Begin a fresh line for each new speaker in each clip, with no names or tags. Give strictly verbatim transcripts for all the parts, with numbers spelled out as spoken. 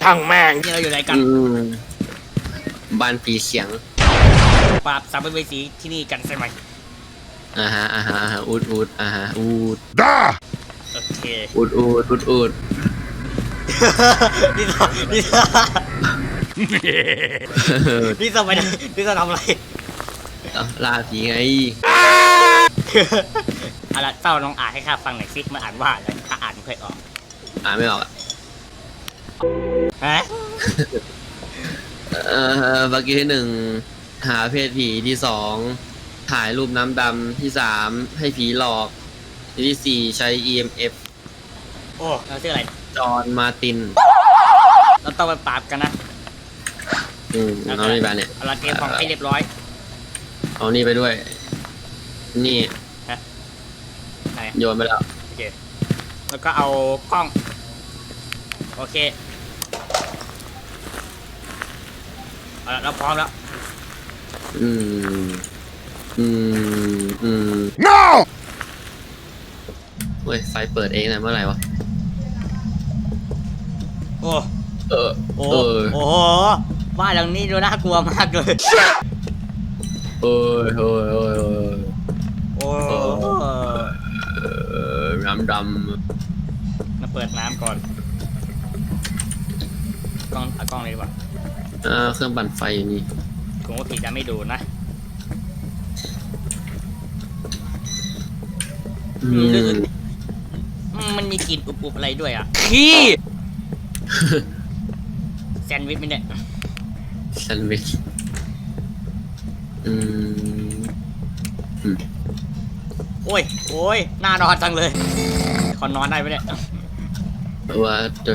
ช่างแม่ง
นี่เราอยู่ไหนกัน
อืมบ้านผีเสียง
ปราบสัมภเวสีที่นี่กันใช่ไหม
อ่าฮะอ่าฮะอ่าฮะอูดอูดอ่าฮะอูด
ด้า
โอเค
อูดอูดอูดอูด
นี่เรานี่เรานี่เราไปไหนนี่เราทำอะไร
เอ้าล่าผีไง
เอาละเต้าลองอ่านให้ข้าฟังหน่อยสิมันอ่านว่าอะไรข้าอ่านไม่ค่อยออก
อ่านไม่ออกอ่ะ
ฮะ
เอ่อเมื่อกี้ที่หนึ่งหาเพศผีที่สองถ่ายรูปน้ำดำที่สามให้ผีหลอกที่สี่ใช้ อี เอ็ม เอฟ
โอ้เราชื่ออะไร
จอห์นมาร์ติน
เราต้องไปปราบกันนะ
อืมเอานี่ไปเนี่ย
เอาละเตรียมของให้เรียบร้อย
เอานี่ไปด้วย นี่
ไหน
โยนไปแล้ว
โอเคแล้วก็เอากล้องโอเคเอาละเราพร้อมแล้ว
อืม อืม อืม
no
เว้ย ไฟเปิดเองนะเมื่อไหร่วะ
โอ้
เออ
โอ้
เออ
โอ้โหบ้านหลังนี้ดูน่ากลัวมากเลย
โอ้ยโอ้ยโอ้ยโอ้ย
โอ้
เออดำด
มาเปิดน้ำก่อนกล้องเอากล้องเลยดีกว่า
ำอ่าเครื่องปั่นไฟอยู่นี่
ผมว่าผีจะไม่ดูนะ
อื
อืมรู้สึก
ม
อืมมันมีกลิ่นอุบๆอะไรด้วยอ่ะขี้ แซนด์วิชไม่ได้
แซนด์วิชอืม อืม
โอ้ยโอ้ยน่านอนจังเลยขอนอนได้ไหมเนี่ย
ว่าจะ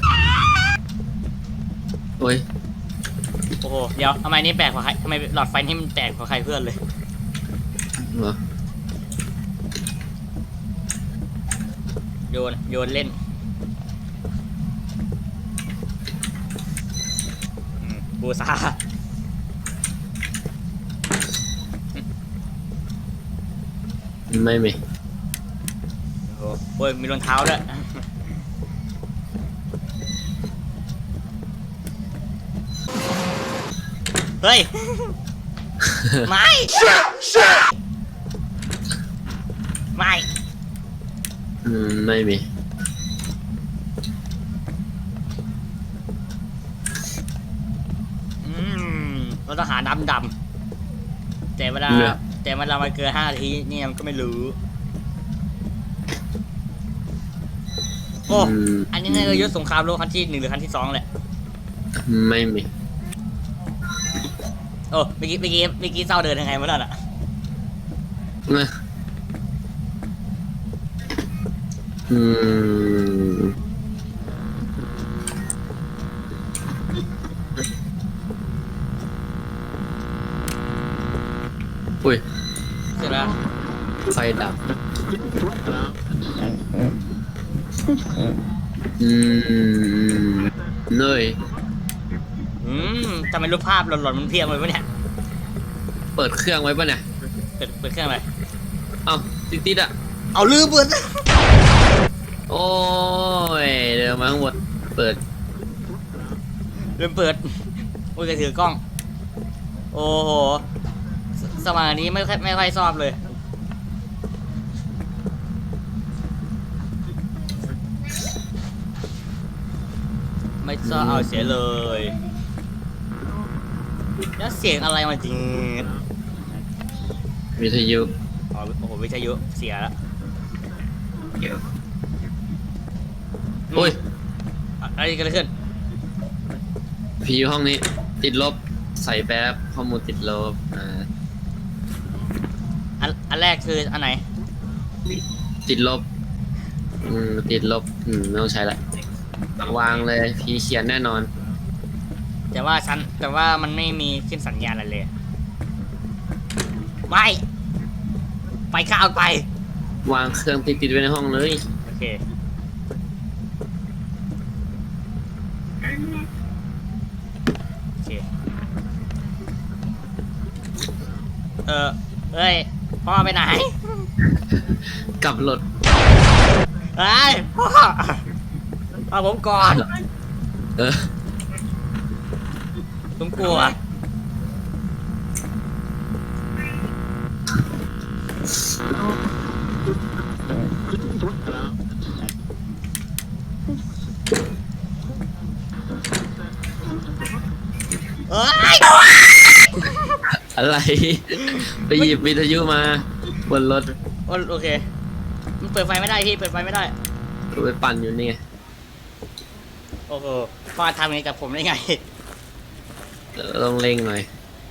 โอ้ย
โอ้โหเดี๋ยวทำไมนี่แปลกกว่าใครทำไมหลอดไฟนี่มันแตกกว่าใครเพื่อนเลย
เหรอ
โยนโยนเล่นอืมบูซา
ไม่มี
โอ้โหโอ้ยมีรองเท้าด้วยเฮ้ย ไม่ ไม่
อืม ไม่มี
อืมเราต้องหาน้ำดำแต่เวลา
เนี่ย
แต่เวลามันเกินห้านาทีนี่มันก็ไม่รู้โอ้
อืม
อันนี้น่าจะยุทธสงครามโลกครั้งที่หนึ่งหรือครั้งที่สองแหละ
ไม่มี
โอ้เมื่อกี้เมื่อกี้เมื่อกี้เศร้าเดินยังไงมาแล้วน่ะ
นะอืม อุ้ย
เสร็จแล้ว
ไฟดับ อืมเนย
อืมทำไมรูปภาพหลอนๆมันเพียบเลยวะเนี่ย
เปิดเครื่องไว้ป่ะเนี่ย
เปิดเปิดเครื่องอะไร
เอ้าติดติดๆอ่ะ
เอาลืมเปิด
โอ้ย เดินมาข้างบนเปิด
ลืมเปิดโอ้ยแกถือกล้อง โอ้โหสสมัยนี้ไม่ค่อยไม่ค่อยชอบเลยไม่ชอบเอาเสียเลยแล้วเสียงอะไรมาจริง
วิทยุ
อ๋อโอ้โหวิทยุเสียแล้ว
โอ้ย
อะอะไรกันขึ้น
ผีอยู่ห้องนี้ ติดลบ ใส่แป๊บข้อมูลติดลบ อ่า
อันอันแรกคืออันไหน
ติดลบ อืม ติดลบ อืม ไม่ต้องใช้ละ วางเลย ผีเขียนแน่นอน
แต่ว่าฉันแต่ว่ามันไม่มีขึ้นสัญญาณอะไรเลย ไม่ ไปข้าวไป
วางเครื่องติดติดๆไว้ในห้องเลย
โอเค โอเค เออเอ้ย พ่อไปไหน
กลับรถ
เอ้ย พ่อเอาผมก่อน
เออ
ผมกลัวเอ้ย
อะไร ไปหยิบวิทยุมาบนรถ
โอโอเคมันเปิดไฟไม่ได้พี่เปิดไฟไม่ได้
ไปปั่นอยู่นี่ไง
โอ้โหมาทำอย่างนี้กับผมได้ไง
ต้องเร่งหน่อย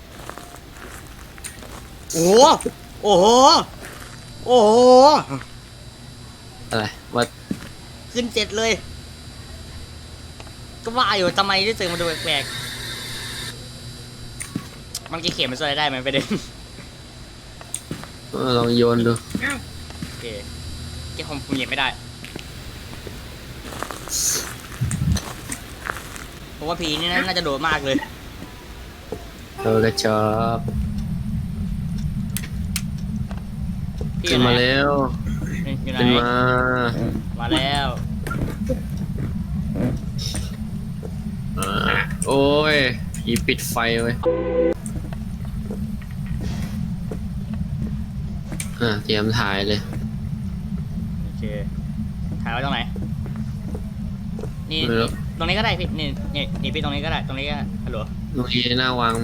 โอ้โหโอ้โหโอ้โห
อะไรว่า
ขึ้นเจ็ดเลย ก็ว่าอยู่ทำไมที่สื่อมันดูแปลกๆมันจะเขียนมันช่วยได้ไหมประเด็น
ลองโยนดู
โอเคเกี่ผมผมเหยียบไม่ได้เพราะว่าผีนี่น่าจะโดดมากเลย
เออกระจอบ
พี่
ขึ้นมา
ไหน
แล้ว
อยู่ไหน
ขึ้นมา
มาแล้ว
อ่าโอ้ยผีปิดไฟไว้อ่าเตรียมถ่ายเลย
โอเคถ่ายไว้ตรงไหนนี่
ไม่รู้
ตรงนี้ก็ได้พี่นี่นี่นี่พี่ตรงนี้ก็ได้ตรงนี้ก็ฮัลโหล
ตรงนี้หน้าวาง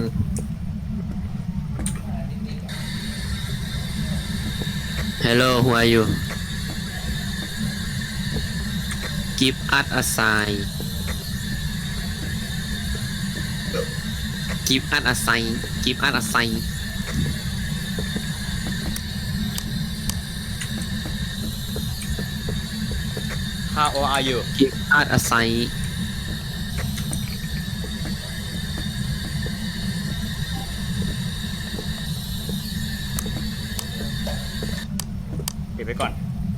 Hello who are you Give us a sign Give us a sign Give us a sign
How old are you
Give us a sign
ปิดไปก่อน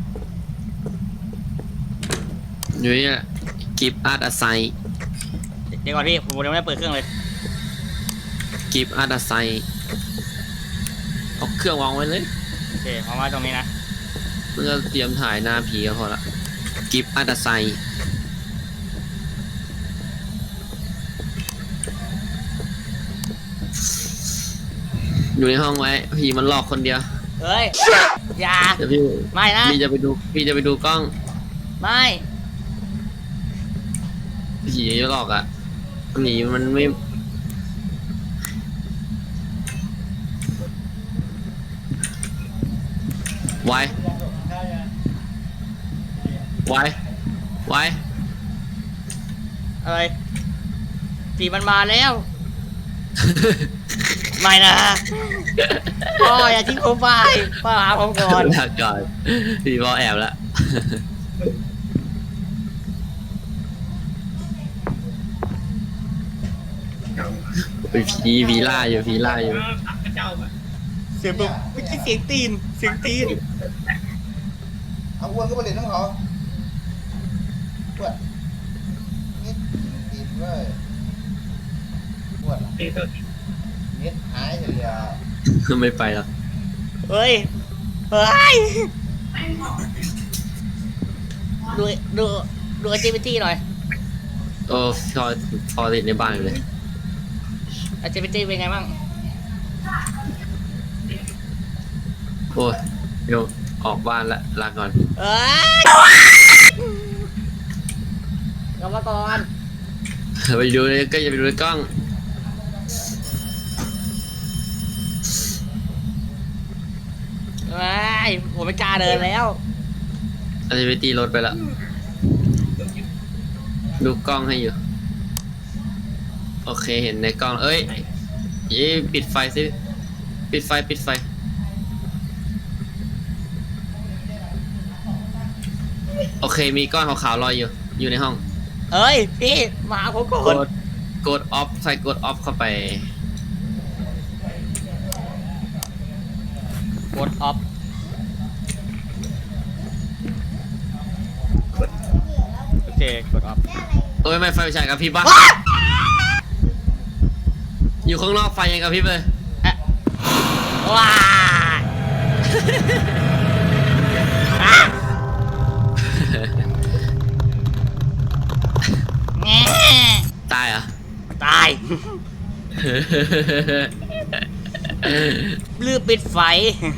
อยู่นี่แหละ Give us a sign
เดี๋ยวก่อนพี่ผมยังไม่ได้เปิดเครื่องเลย
Give us a sign เอาเครื่องวางไว้เลย
โอเคเอามาตรงนี้นะ
เพื่อเตรียมถ่ายหน้าผีก็พอละ Give us a sign อยู่ในห้องไว้ผีมันหลอกคนเดียว
เฮ้ยอย่า
เดี๋ยวพี่
ไม่นะ
พี่จะไปดูพี่จะไปดูกล้อง
ไม่
ผีหลอกอ่ะหนีมันไม่ไวไวไว
อะไรผีมันมาแล้ว ไม่นะพ่ออย่าทิ้งผมไปพ่อหาผมก่อน
ลาก่อนผีบอแอบแล้วไปผีผีล่าอยู่ผีล่าอยู่
เสียงแบบเมื่อกี้เสียงตีนเสียงตีน
เอาอ้วนก็ไปเล่นน้องเขาอ้วนนิดติดเลยอ้วนนิดหายเลยอ่ะ
ไม่ไปหรอก
เฮ้ยเฮ้ยดูดูดู activity หน่อย
โอ้พอพอติดในบ้านอยู่เลย
activity เป็นไงบ้าง
โอ้ยเดี๋ยวออกบ้านละลาก่อน
เอ้ยกลับมาก่อน
ไปดูเลยก็อย่าไปดูในกล้อง
เอ้ยผมไม่กล้าเดินแล้ว
อันนี้ไปตีรถไปละดูกล้องให้อยู่ โอเคเห็นในกล้อง เอ้ยเย้ปิดไฟสิปิดไฟปิดไฟ โอเคมีก้อนขาวๆลอยอยู่ อยู่ในห้อง
เอ้ยพี่มาหาผมก่อก น
ดกดออฟใส่กดออฟเข้าไป
กดออฟโอเคกดออฟ
เอ้ยไม่ไฟฉายกับพริบปะอยู่ข้างนอกไฟยังกับพริบเลย
อะว้าอ่ะแง่
ตายเหรอ่ะ
ตายลืมปิดไฟ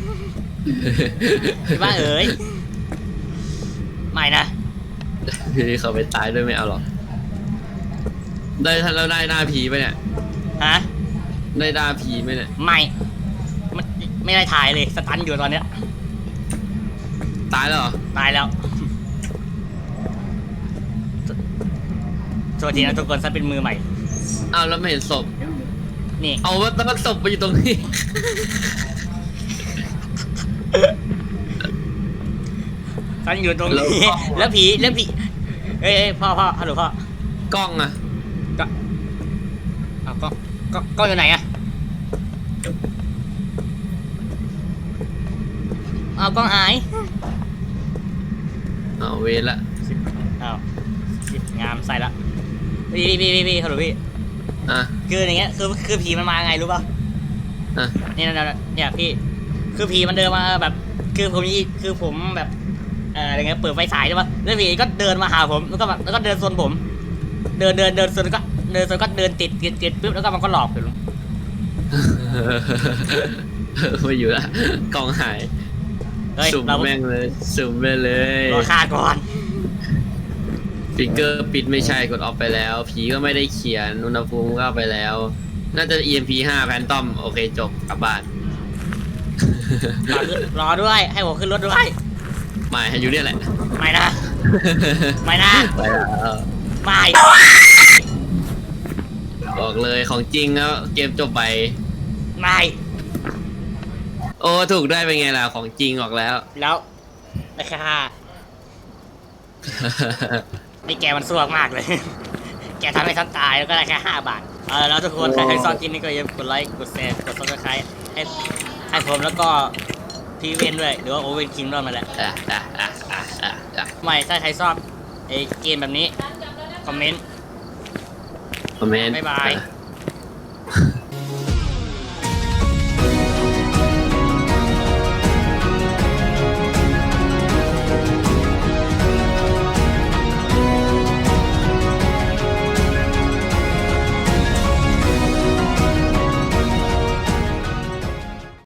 พี่บ้าเอ๋ยไม่นะ
พี่เขาไปตายด้วยไม่เอาหรอกได้ทันแล้วได้หน้าผีไปเนี่ย
ฮะ
ได้หน้าผีไหมเนี่ย
ไม่มันไม่ได้ถ่ายเลยสตันอยู่ตอนเนี้ย
ตายแล้วเหรอ
ตายแล้วโทษทีนะทุกคนฉันเป็นมือใหม่
อ้าวแล้วไม่เห็นศพ
นี่
เอาว่าตั้งศพไปอยู่ตรงนี้
ฉันอยู่ตรงนี้ แล้วผีแล้วผีเอ้ยเอ้ยพ่อพ่อฮัลโหลพ่อก
ล้องอะ
ก็เอาก็ก็ก็อยู่ไหนอะเอากล้องหาย
เอาเวรละ
เอาสิบงามใส่ละพี่พี่พี่พี่ฮัลโหลพี่
อ่ะ
คืออย่างเงี้ยคือคือผีมันมาไงรู้ป่ะ
อ่ะ
เนี่ยเนี่ยเนี่ยพี่คือผีมันเดินมาแบบคือผมนี่คือผมแบบเอ่ออะไรเงี้ยเปิดไฟฉายใช่ป่ะแล้วผีก็เดินมาหาผมแล้วก็แบบแล้วก็เดินโซนผม เดินเดินเดินโซนก็เดินโซนก็เดินติดติดติดปุ๊บแล้วก็มันก็หลอกผม
ไม่อยู่ละกล้องหาย
เฮ้ย
สุ่ม
เรา
แม่งเลยสุ่มไปเลย
รอฆ่าก่อน
ฟิกเกอร์ปิดไม่ใช่กดออฟไปแล้ว ผีก็ไม่ได้เขียนอุณหภูมิก็เอาไปแล้ว น่าจะ อี เอ็ม พี ห้าแพนตอมโอเคจบกลับบ้าน
รอขึ้นรอด้วยให้ผมขึ้นรถด้วย
ไม่ให้อยู่เนี่ยแหละ
ไม่นะไม่นะ
ไปแล้ว
ไม่
บอกเลยของจริงแล้วเกมจบไป
ไม่
โอ้ถูกได้เป็นไงล่ะของจริงออกแล้ว
แล้วราคานี่แกมันสวกมากเลย แกทำให้ฉันตายแล้วก็ได้แค่ห้าบาทเออแล้วทุกคนใครใครชอบคลิปนี้ก็อย่าลืมกดไลค์กดแชร์กดซับสไครต์ให้ให้ผมแล้วก็พี่เวนด้วยหรือว่าโอเวนคิงด้วยมาแหละ
อ่ะอ่ะอ่ะอ่ะอ่ะอ่ะ
ไม่ถ้าใครชอบไอ้เกมแบบนี้คอมเมนต์
คอมเมนต์
บ๊ายบาย
อ่ะ